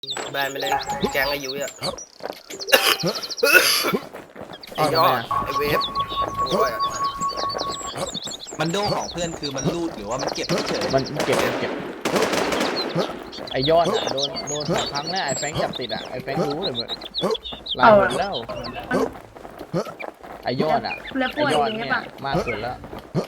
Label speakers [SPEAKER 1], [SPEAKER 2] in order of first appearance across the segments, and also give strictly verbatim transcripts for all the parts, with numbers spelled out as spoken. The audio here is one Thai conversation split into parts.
[SPEAKER 1] แบนไปเลยแกงอายุอ่ะไอ้ยอดไอ้เวฟโอ้ย
[SPEAKER 2] มันโดของเพื่อนคือมันรูดหรือว่ามันเก็บเฉย
[SPEAKER 3] มันเก็บเก็บไอยอดอ่ะโดนโดนสองครั้งแล้วไอแฟงจับติดอ่ะไอแฟงรู้เลยมึงลายหมดแล้วไอยอดอ่ะ
[SPEAKER 4] แล้ว
[SPEAKER 3] ไอ
[SPEAKER 4] ป่วย
[SPEAKER 3] ยอด
[SPEAKER 4] อย่าง
[SPEAKER 3] เนี่
[SPEAKER 4] เงี้
[SPEAKER 3] ย
[SPEAKER 4] ยป่ะ
[SPEAKER 3] มากสุดแล้ว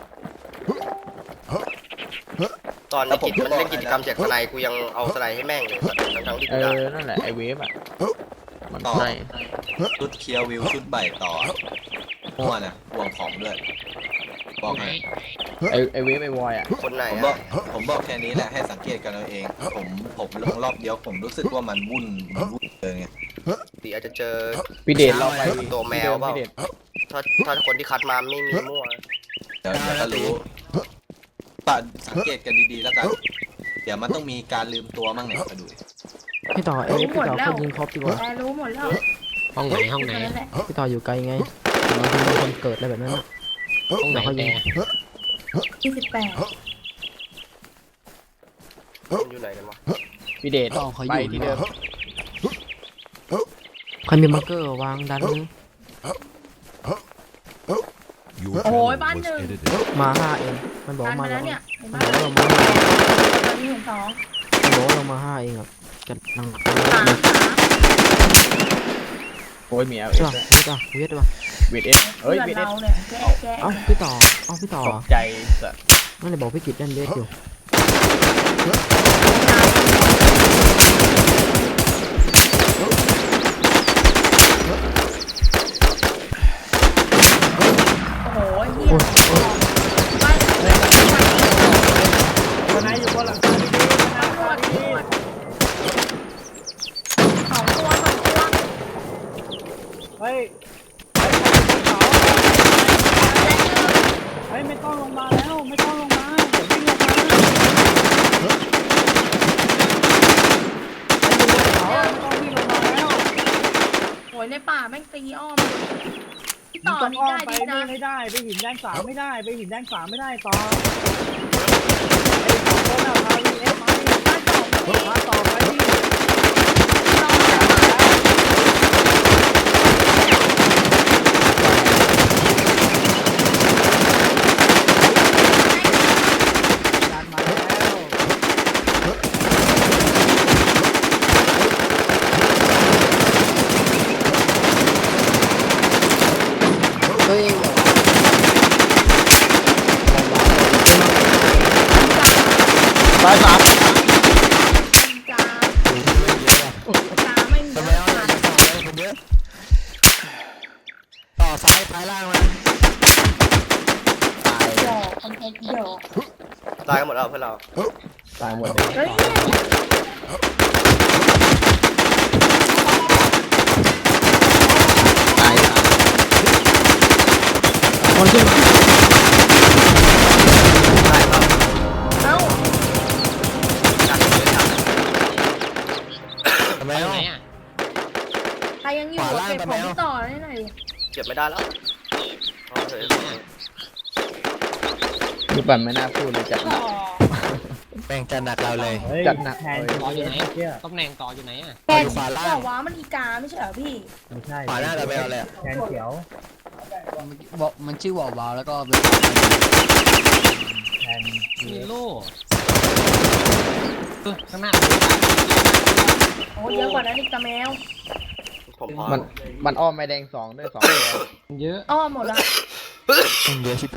[SPEAKER 1] ตอนในกิจมันเล่นกิจกรรมแจกสไนกูยังเอาสไนให้แม่งเลยทั้งที่
[SPEAKER 3] เอ
[SPEAKER 1] กูได้
[SPEAKER 3] อนั่นแหละไอเวฟอ่ะมัน
[SPEAKER 2] ต่อ
[SPEAKER 3] ใช่
[SPEAKER 2] ชุดเคียววิวชุดใบต่อมั่วนะห่วงของด้วยบอกให้
[SPEAKER 3] ไอไอเวฟไอวอยอ่ะ
[SPEAKER 1] คนไหน
[SPEAKER 2] ผมบอ
[SPEAKER 1] อ่ะ
[SPEAKER 2] กผมบอกแค่นี้แหละให้สังเกตกันเอาเอง ผมผมลงรอบเดียวผมรู้สึกว่ามันวุ่นมันวุ่นเลยไง
[SPEAKER 1] ตีอาจจะเจอ
[SPEAKER 3] พี่เดชเราไป
[SPEAKER 1] ตัวแมวเปล่า
[SPEAKER 3] พี่เดช
[SPEAKER 1] ถ้าถ้าคนที่คัดมาไม่มีมั่ว
[SPEAKER 2] เดี๋ยวเดี๋ยวก็รู้ตัดสังเกตกันดีๆแล้วกันเดี๋ยวมันต้องมีการลืมตัวมั่งเนี่ยมาดูดิ
[SPEAKER 5] พี่ต่อเอ้ยพี่ต่อเขายิงครบดีกว่า
[SPEAKER 4] แต่รู้หมดแล้ว
[SPEAKER 6] ห้องไหนห้องไหน
[SPEAKER 4] นั่นแหละ
[SPEAKER 5] พี่ต่ออยู่ไกลไงบางทีมีคนเกิดอะไรแบบนั้นอะ
[SPEAKER 6] ห้องไหน
[SPEAKER 5] เขายิ
[SPEAKER 6] แต่
[SPEAKER 5] ง
[SPEAKER 4] ยี่สิบแปด
[SPEAKER 1] มันอยู่ไหนกันวะ
[SPEAKER 3] พี่เดช
[SPEAKER 6] ต่อเขาอ
[SPEAKER 3] ไป
[SPEAKER 6] ยู่
[SPEAKER 3] ที่เดิม
[SPEAKER 5] ใครมีมาร์เกอร์วางดันนึง
[SPEAKER 4] โอ้ยบ้านหนึ่ง
[SPEAKER 5] มาห้าเองมันบอก
[SPEAKER 4] บ้าน
[SPEAKER 5] มา
[SPEAKER 4] มา
[SPEAKER 5] แล้
[SPEAKER 4] แล้ว วเนี่ยเห็น
[SPEAKER 5] มั
[SPEAKER 4] บ้าน น
[SPEAKER 5] บอกว่าเรามาห้า
[SPEAKER 4] ตอนนี้เห็นสอง
[SPEAKER 5] มันบอกว่าเรามาห้าเองอ่ะกันนั่ง
[SPEAKER 4] สามสาม
[SPEAKER 3] โอ้ยเมีย
[SPEAKER 5] ใช่ป่ะพี่ต่อเวทป่ะ
[SPEAKER 3] เวทเอสเฮ้
[SPEAKER 4] เพื่
[SPEAKER 3] ย
[SPEAKER 4] อน
[SPEAKER 3] เวทเอส
[SPEAKER 4] เราเนี่ยแกะแกะ
[SPEAKER 5] เอ้าพี่ต่อเอ้าพี่ต่อ
[SPEAKER 3] ตกใจสัส
[SPEAKER 5] นั่นเลยบอกพี่กิจเล่นเวทอยู่
[SPEAKER 4] โอ้โหเหี้ยบ้าน
[SPEAKER 3] นายอยู่บนหลัง
[SPEAKER 4] ตำรวจตำรวจสองตัวสองตัว
[SPEAKER 7] เฮ้ยเฮ้ยไม่ต้องลงมาแล้วไม่ต้องลงมาเดี๋ยววิ่งลงมาไม่ต้องวิ่งลงมาแล้ว
[SPEAKER 4] โอ้ยในป่าแม่งตีอ้อมพี่
[SPEAKER 7] มึ
[SPEAKER 4] ต่
[SPEAKER 7] ง
[SPEAKER 4] อ
[SPEAKER 7] ต้อง
[SPEAKER 4] นี่
[SPEAKER 7] อ้อม
[SPEAKER 4] ได้
[SPEAKER 7] ไป
[SPEAKER 4] ดีนะ
[SPEAKER 7] ไม่ได้ไปหินแดงสามไม่ได้ไปหินแดงสามไม่ได้ต่อไอ้ของคนอะพาวีเอฟมาดิ
[SPEAKER 4] บ้านสองตัว
[SPEAKER 7] พาต่อไปดิ การมาแล้ว
[SPEAKER 5] เฮ้ย
[SPEAKER 3] ตายสาม
[SPEAKER 4] จ้าจ้าไม่มี
[SPEAKER 6] ทำไม
[SPEAKER 4] แล้ว
[SPEAKER 6] เอาอย่างนี้ต่อเลยคนเยอะต่อซ้ายซ้ายล่างมา
[SPEAKER 3] ตาย
[SPEAKER 4] หยอกคอนเทนต์หยอก
[SPEAKER 1] ตายกันหมดแล้วเพื่อนเรา
[SPEAKER 3] ตายหมดเลย
[SPEAKER 4] เฮ้ย
[SPEAKER 3] ตายสาม
[SPEAKER 5] คนขึ้นมา
[SPEAKER 1] ได้ครับ
[SPEAKER 4] เอ้า
[SPEAKER 1] จัดเลยจัด
[SPEAKER 6] ทำไมเอาไหนอ่ะ
[SPEAKER 4] ใครยังอยู่เก็บของพี่ต่อได้หน่อยดิ
[SPEAKER 1] เก็บไม่ได้แล้วเอาเถอะ
[SPEAKER 3] คือปั่นไม่น่าพูดเลยจัดหนัก
[SPEAKER 6] แบ่งจัดหนักเราเลย
[SPEAKER 7] เฮ้ย
[SPEAKER 3] จัดหนัก
[SPEAKER 7] แทน
[SPEAKER 3] เลย
[SPEAKER 6] ต่ออยู่ไหน
[SPEAKER 7] เชี่ย
[SPEAKER 6] ตำแหน่งต่ออยู่ไหนอ่ะ
[SPEAKER 4] แก
[SPEAKER 6] อยู่ขวาล่าง
[SPEAKER 4] บอกว่ามันอีกาไม่ใช่เหรอพี่
[SPEAKER 7] ไม่ใช่
[SPEAKER 6] ขวาหน้าเราไปเอาเลยอะ
[SPEAKER 7] แทนเขียว
[SPEAKER 6] บอกมันชื่อวอลวาวแล้วก็เป็น
[SPEAKER 7] แทน
[SPEAKER 6] มีโล่เออข้างหน้า
[SPEAKER 4] โอ้เยอะกว่านั้นอีกตาแมว
[SPEAKER 1] ผมพอ
[SPEAKER 3] มันมันอ้อมไม่แดงสองด้วยสองตัว
[SPEAKER 6] เยอะ
[SPEAKER 4] อ้อมหมดละ
[SPEAKER 6] เยอะชิบ